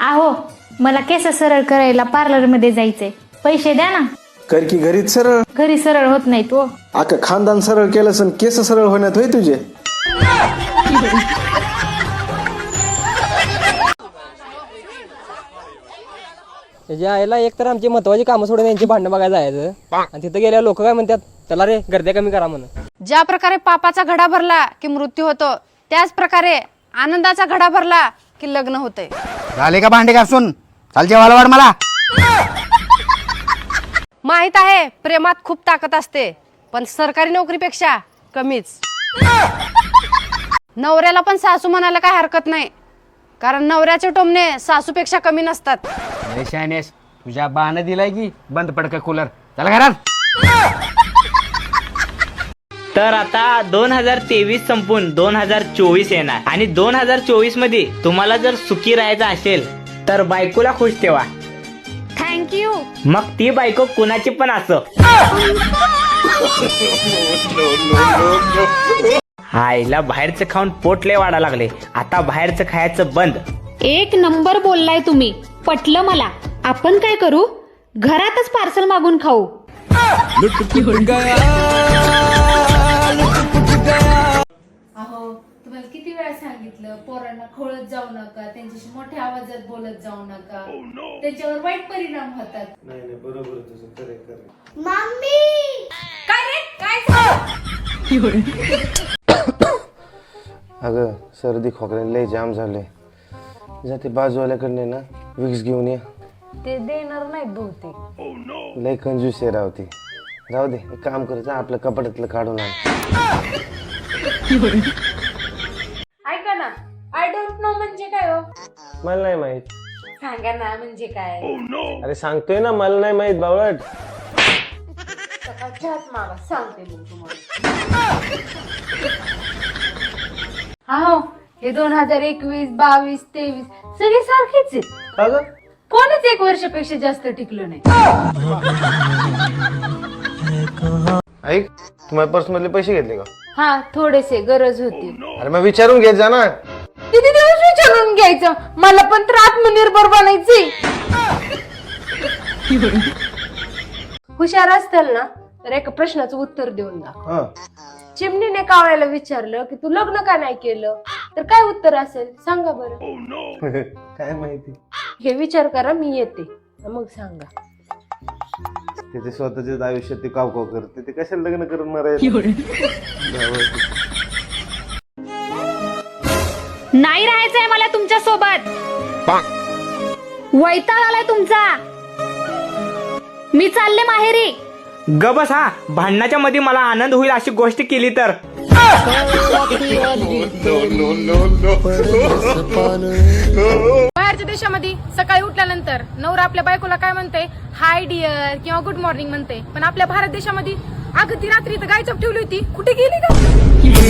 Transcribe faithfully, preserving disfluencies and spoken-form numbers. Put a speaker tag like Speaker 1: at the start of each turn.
Speaker 1: आहो मला केस सरळ करायला पार्लर मध्ये जायचंय, पैसे द्या ना.
Speaker 2: कर की घरीच सरळ.
Speaker 1: घरी सरळ होत नाही तो.
Speaker 2: अख्खं खानदान सरळ केलं सण केस सरळ होण्यात होय तुझे.
Speaker 3: त्याच्या आईला एक तर आमची महत्वाची कामं सोडून यांची भांडणं बघायला जायचं आणि तिथं गेल्या लोक काय म्हणतात, चला रे गर्द्या कमी करा म्हणून.
Speaker 4: ज्या प्रकारे पापाचा घडा भरला की मृत्यू होतो, त्याच प्रकारे आनंदाचा घडा भरला की लग्न होते.
Speaker 5: झाले का भांडे घासून? चाल जेवायला वाढ मला.
Speaker 4: माहित आहे प्रेमात खूप ताकद असते, पण सरकारी नोकरीपेक्षा कमीच. नवऱ्याला पण सासू म्हणायला काय हरकत नाही, कारण नवऱ्याचे टोमणे सासूपेक्षा कमी नसतात.
Speaker 5: शायनेस तुझ्या बाण दिलाय की बंद पडका कूलर. चला घरात.
Speaker 6: तर आता दोन हजार तेवीस संपून दोन हजार चोवीस येणार आणि दोन हजार चोवीस मध्ये तुम्हाला जर सुखी राहायचं असेल तर बायकोला खुश ठेवा.
Speaker 1: थँक्यू.
Speaker 6: मग ती बायको कुणाची पण असो. आईला बाहेरचं खाऊन पोट लय वाढा लागले, आता बाहेरचं खायचं बंद.
Speaker 1: एक नंबर बोललाय तुम्ही, पटलं मला. आपण काय करू, घरातच पार्सल मागून खाऊ.
Speaker 7: अहो तुम्हाला किती वेळा सांगितलं, पोरांना खोळत जाऊ नका, त्यांच्याशी मोठ्या आवाजात बोलत जाऊ नका, त्याच्यावर वाईट परिणाम होतात.
Speaker 2: नाही नाही बरोबर तुझं, खरे खरे.
Speaker 7: मम्मी काय रे काय झालं?
Speaker 2: अगं सर्दी खोकले लय जाम झाले. जाते बाजूवाल्याकडे ना विक्स घेऊन ये.
Speaker 4: ते देणार नाही बहुतेक.
Speaker 2: लय कंजूस आहे रावती. जाऊ दे, एक काम करायचं आपलं कपाटातलं काढून आण.
Speaker 7: ऐका ना, आय डोंट नो म्हणजे काय हो?
Speaker 2: मला नाही माहित.
Speaker 7: सांगा ना म्हणजे काय?
Speaker 2: अरे सांगतोय ना मला नाही माहित बावळट.
Speaker 7: सकाळच्याच मागा सांगते मी तुम्हाला. हो हे दोन हजार एकवीस बावीस तेवीस सगळे सारखेच आहेत.
Speaker 2: का ग?
Speaker 7: कोणच एक वर्षापेक्षा जास्त टिकलो नाही.
Speaker 2: ऐक, तू माझ्या पर्स मधले पैसे घेतले का?
Speaker 7: हा थोडेसे गरज होती.
Speaker 2: अरे मग विचारून घेत जा ना.
Speaker 7: किती दिवस विचारून घ्यायचं, मला पण तर आत्मनिर्भर बनायचे. हुशार असताल ना तर एका प्रश्नाचं उत्तर देऊन जा. चिमणीने कावळ्याला विचारलं की तू लग्न का नाही केलं, तर काय उत्तर असेल सांगा बरं.
Speaker 2: काय माहिती.
Speaker 7: हे विचार करा, मी येते मग सांगा.
Speaker 2: त्याचे स्वतःच्याच आयुष्यात ते काव काव करते, ते कशाला लग्न करून मारायला.
Speaker 1: नाही राहायचंय मला तुमच्या सोबत. वैताग आलाय तुमचा. मी चालले माहेरी.
Speaker 6: ग बस. हा भांडणाच्या मध्ये मला आनंद होईल अशी गोष्ट केली तर.
Speaker 4: बाहेरच्या देशामध्ये सकाळी उठल्यानंतर नवरा आपल्या बायकोला काय म्हणते, हाय डिअर किंवा गुड मॉर्निंग म्हणते, पण आपल्या भारत देशामध्ये अगं ती रात्री तर गायचप ठेवली होती, कुठे गेली का?